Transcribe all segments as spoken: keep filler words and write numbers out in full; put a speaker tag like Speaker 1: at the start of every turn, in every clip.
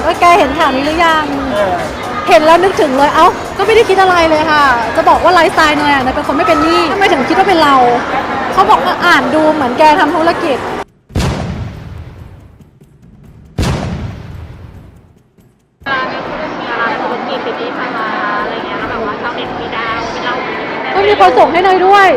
Speaker 1: ว่าแกเห็นข่าวนี้หรือยังเห็นแล้วนึกถึงเลยเอ้าก็ไม่ได้คิดอะไรเลยค่ะจะบอกว่าไลฟ์สไตล์เนยอ่ะเนยเป็นคนไม่เป็นหนี้ทำไมถึงคิดว่าเป็นเราเขาบอกว่าอ่านดูเหมือนแกทำธุรกิจก็มีคนส่งให้เนยด้วย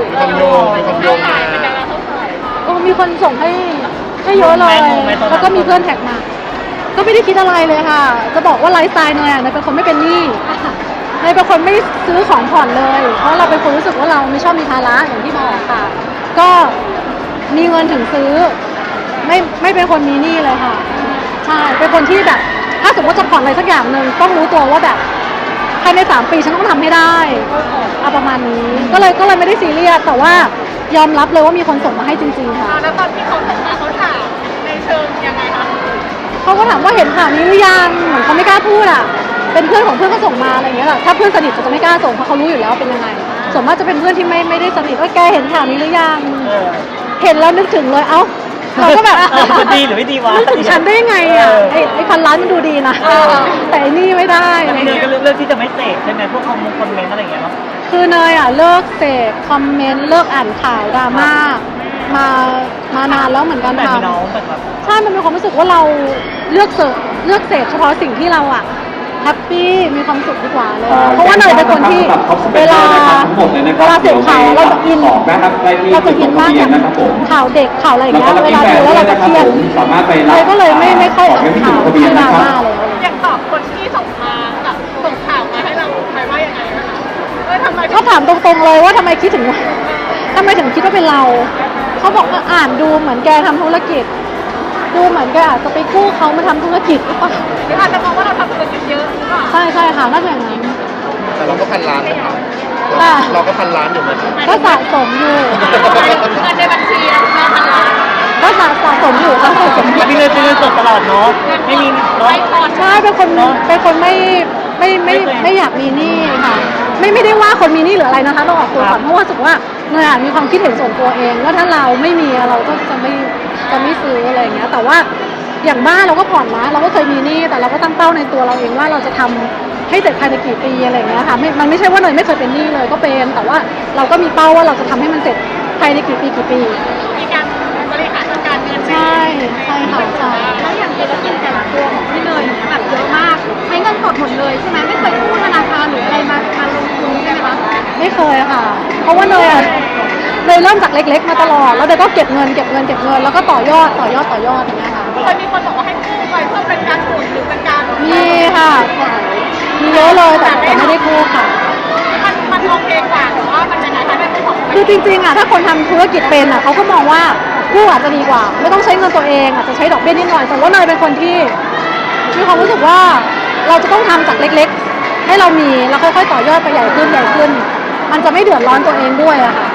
Speaker 1: ก็มีคนส่งให้ให้เยอะเลยแล้วก็มีเพื่อนแท็กมาก็ไม่ได้คิดอะไรเลยค่ะจะบอกว่าไลฟ์สไตล์เนยอ่ะเนยเป็นคนไม่เป็นหนี้เนยเป็นคนไม่ซื้อของผ่อนเลยเพราะเราเป็นคนรู้สึกว่าเราไม่ชอบมีภาระอย่างที่บอกค่ะก็มีเงินถึงซื้อไม่ไม่เป็นคนมีหนี้เลยค่ะใช่เป็นคนที่แบบถ้าสมมติจะผ่อนอะไรสักอย่างหนึ่งต้องรู้ตัวว่าแบบภายในสามปีฉันต้องทำให้ได้เอาประมาณนี้ก็เลยก็เลยไม่ได้ซีเรียสแต่ว่ายอมรับเลยว่ามีคนส่งมาให้จริงๆค่ะ
Speaker 2: แล้วตอนที่เขาส่งมาเขาถามในเชิงยังไงคะ
Speaker 1: เขาก็ถามว่าเห็นข่าวนี้หรือยังเหมือนเขาไม่กล้าพูดอ่ะเป็นเพื่อนของเพื่อนก็ส่งมาอะไรอย่างเงี้ยแหละถ้าเพื่อนสนิทจะไม่กล้าส่งเพราะเขารู้อยู่แล้วเป็นยังไงส่วนมากจะเป็นเพื่อนที่ไม่ไม่ได้สนิทว่าแกเห็นข่าวนี้หรือยังเห็นแล้วนึกถึงเลยเอ้าเราก็แบบ
Speaker 3: จะดีหรือไม่ดีวะ
Speaker 1: นึกถึงฉันได้ไงอ่ะไอ้ไอ้พันล้านมันดูดีนะแต่ไอ้นี่ไม่ได้
Speaker 3: เนยก็เลือกที่จะไม่เสพใช่ไหมพวกคอมคอมเมนต์อะไรอย่างเงี้ยเนาะ
Speaker 1: คือเนยอ่ะเลิกเสพคอมเมนต์เลิกอ่านข่าวดราม่ามามานานแล้วเหมือนกันค่ะใช่มันมีความรู้สึกว่าเราเลือกเสพเลือกเสพเฉพาะสิ่งที่เราอ่ะแฮปปี้มีความสุขดีกว่าเลยเพราะว่าเนยเป็นคนที่เวลาเวลาเสพข่าวเราจะอินเราจะอินมากกับข่าวเด็กข่าวอะไรอย่างเงี้ยเวลาดูแล้วเราจะเครียดเลยก็เลยไม่ไม่ค่อยอ่านข่าวที่ดราม่าเลย
Speaker 2: อยากตอบคนที่ส่งมาแบบส่งข่าวมาให้เราใครว่ายังไงนะคะเออทำไม
Speaker 1: เขาถามตรงๆเลยว่าทำไมคิดถึงทำไมถึงคิดว่าเป็นเราเขาบอกว่าอ่านดูเหมือนแกทำธุรกิจดูเหมือนแกอาจจะไปกู้เขามาทำธุรกิจหรือเปล่า
Speaker 2: หรืออาจจะมองว่าเราทำธุรกิจเยอะหรือเปล่า
Speaker 1: ใช่ใช่ค่ะน่าจะอย่างนั้น
Speaker 4: แต่เราก็พันล้านนะครับเราก็พันล้านอยู่เหมือนกัน
Speaker 1: ก็สะสมอยู่
Speaker 2: เงินในบัญชีเราพันล้าน
Speaker 1: ก็สะสมอยู่ค่ะสะสมอยู่
Speaker 3: มีเงินซื้อเงินสดตลอดเนาะไม่มี
Speaker 2: ไม่พอ
Speaker 1: ใช่เป็นคนเป็นคนไม่ไม่ไม่ไม่อยากมีหนี้ค่ะไม่ไม่ได้ว่าคนมีหนี้หรืออะไรนะคะเราออกตัวก่อนเพราะว่ารู้สึกว่าเนยมีความคิดเห็นส่วนตัวเองว่าถ้าเราไม่มีเราก็จะไม่จะไม่ซื้ออะไรอย่างเงี้ยแต่ว่าอย่างบ้านเราก็ผ่อนนะเราก็เคยมีหนี้แต่เราก็ตั้งเป้าในตัวเราเองว่าเราจะทำให้เสร็จภายในกี่ปีอะไรอย่างเงี้ยค่ะไม่มันไม่ใช่ว่าเนยไม่เคยเป็นหนี้เลยก็เป็นแต่ว่าเราก็มีเป้าว่าเราจะทำให้มันเสร็จภายในกี่ปีกี่ปี
Speaker 2: มีการบริหารจัดการเงิน
Speaker 1: ใช่ใช่ค่ะใช่
Speaker 2: แล้วอย่างธุรกิจแต่ละตัวของพี่เนยเนี่ยแบบเยอะมากใช้เงินสดหมดเลยใช่ไหมไม่เคยกู้ธนาคารหรืออะไรมามาลงทุนใช่ไหมคะ
Speaker 1: ไม่เคยค่ะเพราะว่าเนยอะเลยเริ่มจากเล็กๆมาตลอดแล้วเดี๋ยวก็เก็บเงินเก็บเงินเก็บเงินแล้วก็ต่อยอดต่อยอดต่อยอดอย่างเงี้ยค่ะ
Speaker 2: เคยมีคนบอกว่าให้กู้ไปเพื่อเป็นการหมุนหรือเป็นการ
Speaker 1: มีค่ะมีเยอะเลยแต่แต่ไม่ได้กู้ค่ะ
Speaker 2: มันมันโอเคกว่าหรือว่ามันยังไงคะไม่เป็นของ
Speaker 1: คือจริงๆอ่ะถ้าคนทำธุรกิจเป็นอ่ะเขาก็มองว่ากู้อาจจะดีกว่าไม่ต้องใช้เงินตัวเองอาจจะใช้ดอกเบี้ยนิดหน่อยแต่ว่าเนยเป็นคนที่มีความรู้สึกว่าเราจะต้องทำจากเล็กๆให้เรามีแล้วค่อยๆต่อยอดไปใหญ่ขึ้นใหญ่ขึ้นมันจะไม่เดือดร้อนตัวเองด้วยอะค่ะ